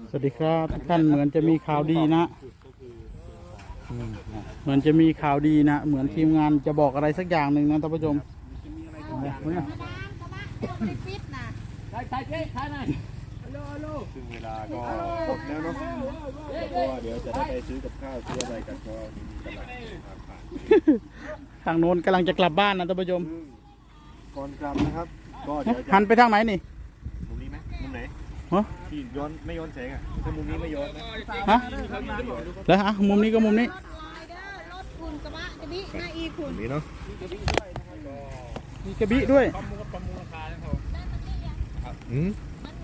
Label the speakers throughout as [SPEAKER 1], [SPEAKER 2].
[SPEAKER 1] สวัสดีครับทุกท่านเหมือนจะมีข่าวดีนะเหมือนจะมีข่าวดีนะเหมือนทีมงานจะบอกอะไรสักอย่างหนึ่งนะท่านผู้ชม
[SPEAKER 2] ซึ่งเวลาก็หมดแล้วเนาะเพราะว่าเดี๋ยวจะได้ไปซื้อกับข้าวซื้ออะไรกันก็มีตลาดผ่าน
[SPEAKER 1] ทางโน้นกำลังจะกลับบ้านนะท่านผู้ชม
[SPEAKER 2] ก่อนกลับนะครับก็เดี๋ยวจะ
[SPEAKER 1] หันไปทางไหนนี่
[SPEAKER 2] มุมนี้ไหมมุมไหน
[SPEAKER 1] ฮะ
[SPEAKER 2] ที่ย้อนไม่ย้อนแสงอ่ะถ้ามุมนี้ไม่ย้อนนะ
[SPEAKER 1] ฮะแล้วฮะมุมนี้ก็มุมนี้
[SPEAKER 3] รถคุณกระบะจะบิหน้าอีคุณ
[SPEAKER 2] นี้เนาะ
[SPEAKER 1] มีกระบี่ด้วย
[SPEAKER 2] อืม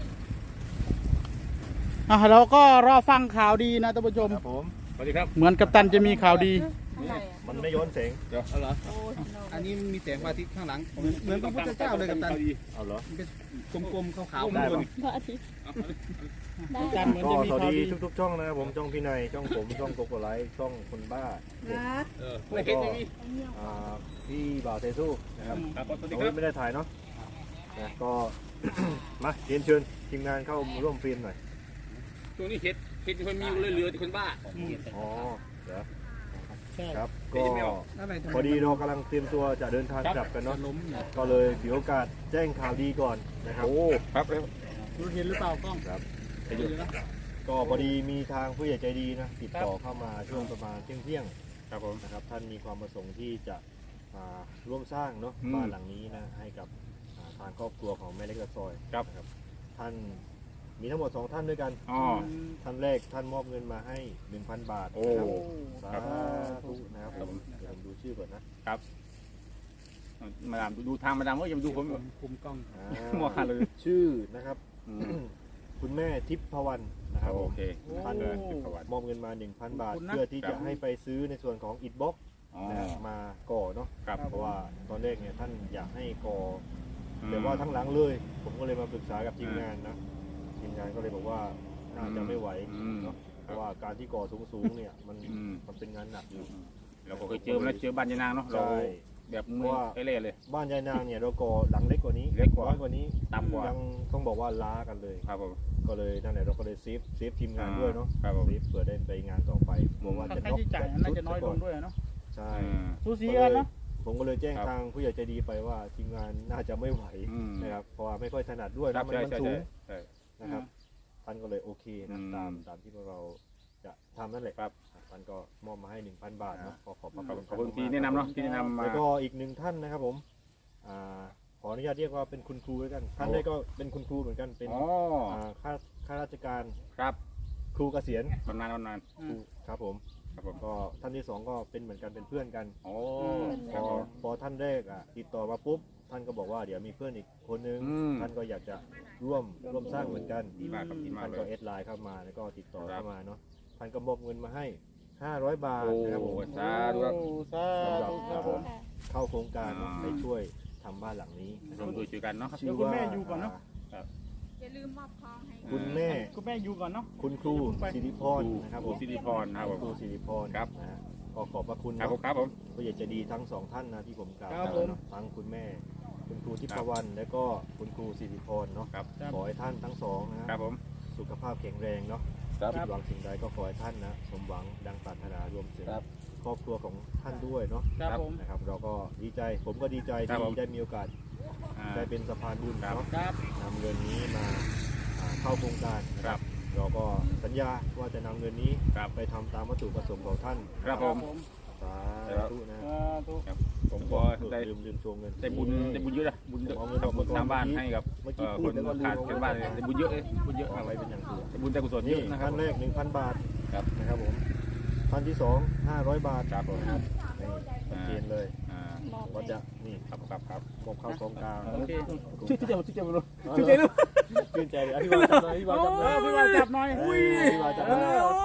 [SPEAKER 1] เราก็รอฟังข่าวดีนะท่านผู้ชม
[SPEAKER 2] ครับผมสวัสดีครับ
[SPEAKER 1] เหมือนกัปตันจะมีข่าวดี
[SPEAKER 2] มันไม่ย้อนแสง
[SPEAKER 4] เดี๋ยวเอาเหรออันนี้มีแสงพระอาทิตย์ข้างหลังเหมือนพระพุทธเจ้าเลยกับตัน
[SPEAKER 2] เอาเหรอ
[SPEAKER 4] มันเป็นกลมๆขาวๆ
[SPEAKER 2] ได้
[SPEAKER 4] ข้างบ
[SPEAKER 2] ปะ
[SPEAKER 4] น
[SPEAKER 3] พระอาทิตย์
[SPEAKER 1] กัปตันเหมือน
[SPEAKER 2] ก็
[SPEAKER 1] จะมี
[SPEAKER 2] สวัส
[SPEAKER 1] ข่าว
[SPEAKER 2] ดี
[SPEAKER 1] ดี
[SPEAKER 2] ทุกๆช่องนะครับผมช่องพี่นายช่องผมช่องโกโก้ไลท์ช่องคนบ้าเด็ก
[SPEAKER 4] ไม่เห็นอย่างนี้
[SPEAKER 2] อ่าพี่บ่าวเซซูนะครับ
[SPEAKER 4] ครับสวัสดี
[SPEAKER 2] โอ้
[SPEAKER 4] ครั
[SPEAKER 2] ย
[SPEAKER 4] บ
[SPEAKER 2] ไม่ได้ถ่ายเนาะนะก็ มาเรียนเชิญทีมงานเข้าร่วมเฟรมหน่อย
[SPEAKER 4] ช่วงนี้เห็ดคนมีเรือคนบ้า
[SPEAKER 2] อ๋อเดี๋ยว
[SPEAKER 1] ใช่
[SPEAKER 2] ครับก็
[SPEAKER 4] อะไร
[SPEAKER 2] พอดีเรากำลังเตรียมตัวจะเดินทางกลับกันเนาะ
[SPEAKER 4] ล้ม
[SPEAKER 2] ก็เลยถือโอกาสแจ้งข่าวดีก่อนนะครับ
[SPEAKER 4] ครับ
[SPEAKER 1] รู้เห็นหรือเปล่ากล้อง
[SPEAKER 2] ครับก็พอดีมีทางผู้ใหญ่ใจดีนะติดต่อเข้ามาช่วงประมาณเที่ยงครับผมนะครับท่านมีความประสงค์ที่จะร่วมสร้างเนาะบ้านหลังนี้นะให้กับทางครอบครัวของแม่เล็กตะซอยครับท่านมีทั้งหมด2ท่านด้วยกัน
[SPEAKER 4] อ๋อ
[SPEAKER 2] ท่านแรกท่านมอบเงินมาให้ 1,000 บาท
[SPEAKER 4] โอ้
[SPEAKER 2] นะครับสาธุนะครับผมเดี๋ยวผมดูชื่อก่อนนะ
[SPEAKER 4] มาดามดูทางมาดามว่าอย่ามาดูผม
[SPEAKER 1] คุมกล้อง
[SPEAKER 4] มัวหันเลย
[SPEAKER 2] ชื่อนะครับ คุณแม่ทิพพวรรณนะครับผ
[SPEAKER 4] โอ
[SPEAKER 2] ม
[SPEAKER 4] เค
[SPEAKER 2] ท่าน มอบเงินมา 1,000 บาท เพื่อที่จะให้ไปซื้อในส่วนของอิฐบล็อก
[SPEAKER 4] อ๋อ
[SPEAKER 2] นะครับมาก่อเนาะ
[SPEAKER 4] ครับ
[SPEAKER 2] เพราะว่าตอนแรกเนี่ยท่านอยากให้ก่อแต่ว่าทั้งหลังเลย ผมก็เลยมาปรึกษากับทีมงานนะทีมงานก็เลยบอกว่าน่าจะไม่ไหวเนาะเพราะว่าการที่ก่อสูงๆเนี่ยมันเป็นงานหนักอยู่
[SPEAKER 4] เราก็เคยเจอมาแล้วเจอบ้านยานางเนาะเรา
[SPEAKER 2] ใช่
[SPEAKER 4] แบบมือเล่เลย
[SPEAKER 2] บ้านยายนางเนี่ยเราก่อหลังเล็กกว่านี้
[SPEAKER 4] เล็กกว่า
[SPEAKER 2] น้อยกว่านี้
[SPEAKER 4] ต่ำกว่า
[SPEAKER 2] ยังต้องบอกว่าล้ากันเลย
[SPEAKER 4] ครับผม
[SPEAKER 2] ก็เลยนั่นแหละเราก็เลยเซฟทีมงานด้วยเนาะ
[SPEAKER 4] ครับผม
[SPEAKER 2] เซฟเผื่อได้ไปงานต่อไปกลัวว่า
[SPEAKER 1] ค่า
[SPEAKER 2] จะ
[SPEAKER 1] ใช้
[SPEAKER 2] น็อก
[SPEAKER 1] จ่ายน่าจะน้อยลงด้วยเนาะ
[SPEAKER 2] ใช่
[SPEAKER 1] สูสีกันเนาะ
[SPEAKER 2] ผมก็เลยแจ้งทางผู้ใหญ่ใจดีไปว่าทีมงานน่าจะไม่ไหวนะครับเพราะว่าไม่ค่อยถนัดด้วย
[SPEAKER 4] ครั
[SPEAKER 2] นะ
[SPEAKER 4] บ
[SPEAKER 2] มัน
[SPEAKER 4] ใช่
[SPEAKER 2] สูง
[SPEAKER 4] ใช่
[SPEAKER 2] นะครับท่านก็เลยโอเคนะ
[SPEAKER 4] อืม
[SPEAKER 2] ตามที่พวกเราจะทำนั่นแหละครับท่านก็มอบมาให้ 1,000 บาทเนาะขอขอบพระคุณ
[SPEAKER 4] ขอบคุณที่แนะนำเนาะที่แนะนำมา
[SPEAKER 2] แล้วก็อีกหนึ่งท่านนะครับผมขออนุญาตเรียกว่าเป็นคุณครูแล้วกันท่านได้ก็เป็นคุณครูเหมือนกันเป็น
[SPEAKER 4] อ๋อ
[SPEAKER 2] ข้าราชการ
[SPEAKER 4] ครับ
[SPEAKER 2] ครูเกษียณ
[SPEAKER 4] บำนาญ
[SPEAKER 2] ครูครับผม
[SPEAKER 4] ครับผม
[SPEAKER 2] ก็ท่านที่2ก็เป็นเหมือนกันเป็นเพื่อนกัน
[SPEAKER 4] โอ้
[SPEAKER 2] พอท่านแรกติดต่อมาปุ๊บท่านก็บอกว่าเดี๋ยวมีเพื่อนอีกคนนึงท่านก็อยากจะร่วมสร้างเหมือนกัน
[SPEAKER 4] ดีมากครับดีมาก
[SPEAKER 2] ท่าน
[SPEAKER 4] เล
[SPEAKER 2] ก็
[SPEAKER 4] ย
[SPEAKER 2] เอสไลน์เข้ามาแล้วก็ติดต่อ
[SPEAKER 4] ครับ
[SPEAKER 2] เข้ามาเนาะท่านก็มอบเงินมาให้500 บาท
[SPEAKER 4] โอ้
[SPEAKER 2] นะครับผม
[SPEAKER 4] สาธุครับ
[SPEAKER 1] สาธุครับผม
[SPEAKER 2] เข้าโครงการ
[SPEAKER 4] อ่า
[SPEAKER 2] ไปช่วยทำบ้านหลังนี้นะค
[SPEAKER 4] ร่
[SPEAKER 2] รั
[SPEAKER 4] ว
[SPEAKER 2] บ
[SPEAKER 4] มด้วยช่วยกันเนาะ
[SPEAKER 1] เดี๋ยวคุณแม่อยู่ก่อนเนาะ
[SPEAKER 3] อย่าลืมมอบทองให้
[SPEAKER 2] คุณแม่
[SPEAKER 1] คุณแม่อยู่ก่อนเนาะ
[SPEAKER 2] คุณครูสิริพรนะครับผม
[SPEAKER 4] สิริพรนะครับผม
[SPEAKER 2] ครูสิริพร
[SPEAKER 4] ครับ
[SPEAKER 2] นะฮะก็ขอบพระคุณ
[SPEAKER 4] ครับ
[SPEAKER 2] เนาะ
[SPEAKER 4] ผมครับผม
[SPEAKER 2] ผู้ใหญ่ใจะดีทั้งสองท่านนะที่ผมกล่าว
[SPEAKER 1] ครับ
[SPEAKER 2] ไป
[SPEAKER 1] ผม
[SPEAKER 2] เนาะทั้งคุณแม่ คุณครูทิพวรรณและก็คุณครูสิริพรเนาะ
[SPEAKER 4] ครับ
[SPEAKER 2] ขอให้ท่านทั้งสองนะครับ
[SPEAKER 4] ผม
[SPEAKER 2] สุขภาพแข็งแรงเนาะ
[SPEAKER 4] ครับ
[SPEAKER 2] คิดหวังสิ่งใดก็ขอให้ท่านนะสมหวังดังปรารถนารวมถึง
[SPEAKER 4] ครับ
[SPEAKER 2] ครอบครัวของท่านด้วยเนาะ
[SPEAKER 1] ครับผม
[SPEAKER 2] นะครับ เราก็ดีใจผมก็ดีใจ
[SPEAKER 4] ครับผม
[SPEAKER 2] ที่ได้มีโอกาส
[SPEAKER 4] อ่า
[SPEAKER 2] ได้เป็นสะพานบุญ
[SPEAKER 4] ครับ
[SPEAKER 2] เนาะ
[SPEAKER 1] ครับ
[SPEAKER 2] นำเงินนี้มาเข้าโครงการนะครับ เราก็สัญญาว่าจะนำเงินนี้
[SPEAKER 4] ครับ
[SPEAKER 2] ไปทำตามวัตถุประสงค์ของท่าน
[SPEAKER 4] ครับผม
[SPEAKER 2] สาธุนะ
[SPEAKER 1] สาธุ
[SPEAKER 4] ครับผมก็ได้
[SPEAKER 2] ลืมโชว์เงิน
[SPEAKER 4] ได้บุญเยอะนะบุญเยอะ
[SPEAKER 2] เอาเงินออกมาก่อน
[SPEAKER 4] สร้างบ้านให้กับ
[SPEAKER 2] เมื่อกี้
[SPEAKER 4] ค
[SPEAKER 2] พูด
[SPEAKER 4] น
[SPEAKER 2] แล้วก็ลืม
[SPEAKER 4] ขาดเกินบ้านเลยได้บุญเยอะเลยบุญเยอะ
[SPEAKER 2] เอา
[SPEAKER 4] มาก
[SPEAKER 2] ไว้เป็นอย่างสูง
[SPEAKER 4] ได้บุญได้กุศลเย
[SPEAKER 2] นี่
[SPEAKER 4] อะนะครับ
[SPEAKER 2] ท่านแรก 1,000 บาท
[SPEAKER 4] ครับ
[SPEAKER 2] นะครับผมท่านที่2 500 บาท
[SPEAKER 4] ครับผม
[SPEAKER 2] นะครับนี่ชัดเจนเลย
[SPEAKER 4] อ่า
[SPEAKER 2] ก็จะนี่
[SPEAKER 4] ครับครับ
[SPEAKER 2] มอบเข้าโครงการ
[SPEAKER 1] โอเค
[SPEAKER 4] ชื่อเจ้าชื่อเจ้าไม่รู้
[SPEAKER 2] ชื่นใจด้วยชื่นใจเลยอธิบายจับหน่อยอธิบายจับหน่อย
[SPEAKER 1] พี่วานจับหน่อย
[SPEAKER 2] อธิบายจับหน่อย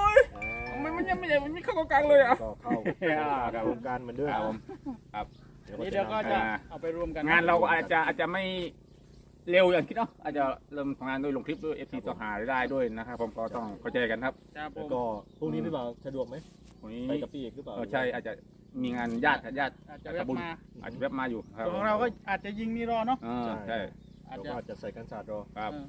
[SPEAKER 4] มันยังไม่ใหญ่มันไม่เข้ากลางเลยอ่ะ
[SPEAKER 2] ก็เข้าโครงการเหมือนเดิม
[SPEAKER 4] ครับผมครับ
[SPEAKER 1] นี่เดี๋ยวก็จะเอาไปรวมกัน
[SPEAKER 4] งานเราก็อาจจะไม่เร็วอย่างคิดเนาะอาจจะเริ่มทำงานด้วยลงคลิปด้วยเอฟซีต่อหาได้ด้วยนะครับผมก็ต้องเข้าใจกันครับ
[SPEAKER 1] ครับผ
[SPEAKER 2] แล้ว
[SPEAKER 1] ม
[SPEAKER 2] ก็พรุ่งนี้พี่บ่าวสะดวกไหม
[SPEAKER 4] วันนี้
[SPEAKER 2] ไปกับพี่เอกหรือเปล่า
[SPEAKER 4] ใช่อาจจะมีงานญาติ
[SPEAKER 1] อาจจะแวะ
[SPEAKER 4] บุญ
[SPEAKER 1] มา
[SPEAKER 4] อาจจะแวะมาอยู่ครับ
[SPEAKER 1] ของเราก็อาจจะยิงนี่รอเนาะ
[SPEAKER 4] ใช่
[SPEAKER 1] อาจ
[SPEAKER 2] เรา
[SPEAKER 1] จะ
[SPEAKER 2] ก็อาจจะใส่กันศาสตร์รอ
[SPEAKER 4] ครับ
[SPEAKER 1] เ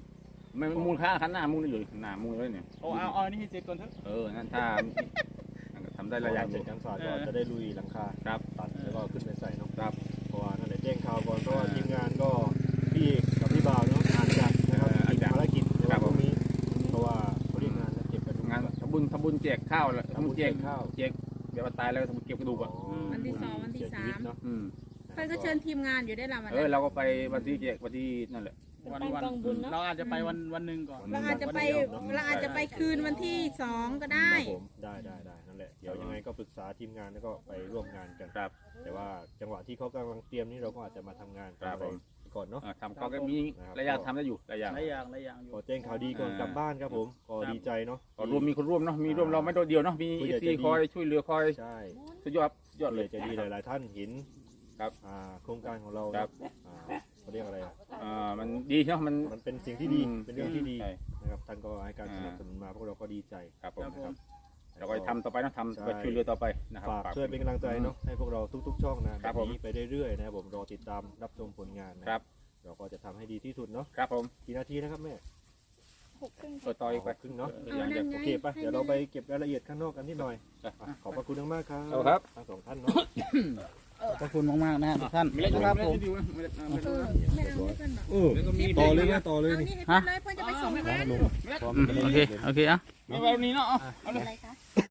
[SPEAKER 4] ไม่มูลค่าคันหน้ามูลอยู่หน้ามูลเลยเนี่ย
[SPEAKER 1] เอาอันนี้ให้เสร็จก่อนเถอะ
[SPEAKER 4] นั่นถ้าทำได้ระยะ
[SPEAKER 2] เสร็จการสาดก็จะได้ลุยหลังคา
[SPEAKER 4] ครับ
[SPEAKER 2] ตัดแล้วก็ขึ้นไปใส่เนาะ
[SPEAKER 4] ครับ
[SPEAKER 2] เพราะว่านั่นแหละแจ้งข่าวก่อนเพราะว่าทีมงานก็พี่เอกกับพี่บ่าวเนาะอาจจะนะครับติดภารกิจในวันพรุ่งนี้เพราะว่าเขาเรียกงานเก็บกระดูก
[SPEAKER 4] งานทำบุญแจกข้าวแล้วทำบุญแจก
[SPEAKER 2] ข้าว
[SPEAKER 4] แจกเดี๋ยวตายแล้วทำบุญเก็บกระดูกอ่ะ
[SPEAKER 3] วันที่ 2 วันที่
[SPEAKER 2] เสียชีวิตเนาะ
[SPEAKER 3] 3เพิ่นก็เชิญทีมงานอยู่ได้ละวัน
[SPEAKER 4] เรา
[SPEAKER 3] นั้น
[SPEAKER 4] ก็ไปวันที่แจกวันที่นั่นแหละ
[SPEAKER 3] ต้องบุญเนาะ
[SPEAKER 1] เราอาจจะไปวันหนึ่งก่อน
[SPEAKER 3] เราอาจจะไปคืนวันที่ 2 ก็ได้
[SPEAKER 2] ครับผมได้นั่นแหละเดี๋ยวยังไงก็ปรึกษาทีมงานแล้วก็ไปร่วมงานกัน
[SPEAKER 4] ครับ
[SPEAKER 2] แต่ว่าจังหวะที่เขากำลังเตรียมนี่เราก็อาจจะมาทำงานกัน
[SPEAKER 4] ครับ
[SPEAKER 2] ไป
[SPEAKER 4] ผม
[SPEAKER 2] ก่อนเนาะ
[SPEAKER 4] ทำก็มีระยะทำได้อยู่ระยะ
[SPEAKER 1] หลายอย่างอยู่
[SPEAKER 2] ขอแจ้งข่าวดีก่อนกลับบ้านครับผมก็ดีใจเนาะ
[SPEAKER 4] ก็มีคนร่วมเนาะมีร่วมเราไม่โดดเดียวเนาะมี
[SPEAKER 2] ผู้ใหญ่
[SPEAKER 4] ที่
[SPEAKER 2] ใจดี
[SPEAKER 4] คอยช่วยเหลือคอย
[SPEAKER 2] ใช่
[SPEAKER 4] สุดยอดเล
[SPEAKER 2] เลย ยใจดีหลายๆท่านเห็น
[SPEAKER 4] ครับ
[SPEAKER 2] โครงการของเรา
[SPEAKER 4] ครับ
[SPEAKER 2] เขาเรียกอะไรอ่ะ
[SPEAKER 4] มันดีเนาะมัน
[SPEAKER 2] มันเป็นสิ่งที่ดีเป็นเรื่องที่ดี
[SPEAKER 4] ใช่
[SPEAKER 2] นะครับท่านก็ให้การสนับสนุนมาพวกเราก็ดีใจ
[SPEAKER 4] ครับผม
[SPEAKER 2] นะครับ
[SPEAKER 4] เราก็ทำต่อไปนะทำ
[SPEAKER 2] ใช่
[SPEAKER 4] ไปช่วยเหลือต่อไปนะครับ
[SPEAKER 2] ฝากช่วยเป็นกำลังใจเนาะให้พวกเราทุกๆช่องนะแบ
[SPEAKER 4] ครับ
[SPEAKER 2] บ
[SPEAKER 4] ผม
[SPEAKER 2] นี้ไปเรื่อยๆนะครับผมรอติดตามรับชมผลงานนะครับ เราก็จะทำให้ดีที่สุดเนาะ
[SPEAKER 4] ครับผม
[SPEAKER 2] กี่นาทีนะครับแม่
[SPEAKER 4] เปิดต่ออีกไป
[SPEAKER 2] ครึ่งเนาะ
[SPEAKER 3] เอานั่นไง
[SPEAKER 2] โอเคปะเดี๋ยวเราไปเก็บรายละเอียดข้างนอกกันนิดหน่อยขอบพระคุณมากๆครับ
[SPEAKER 4] เอาครับ
[SPEAKER 2] ทั้งสองท่านเนาะ
[SPEAKER 1] ขอบคุณมากๆนะทุกท่าน
[SPEAKER 4] ไม่เล่น
[SPEAKER 1] ครับผม
[SPEAKER 3] ไม่เอาให้เพิ่นบอก
[SPEAKER 2] ต่อเลยนะต่อเลย
[SPEAKER 3] เอา
[SPEAKER 2] นี่
[SPEAKER 3] นี่ให้เพิ่นเลยเพิ่นจะไปส่งงาน
[SPEAKER 2] ลง
[SPEAKER 1] โอเคอ่ะ
[SPEAKER 4] ไม่ไว้วันนี้เนาะ
[SPEAKER 3] อะไรคะ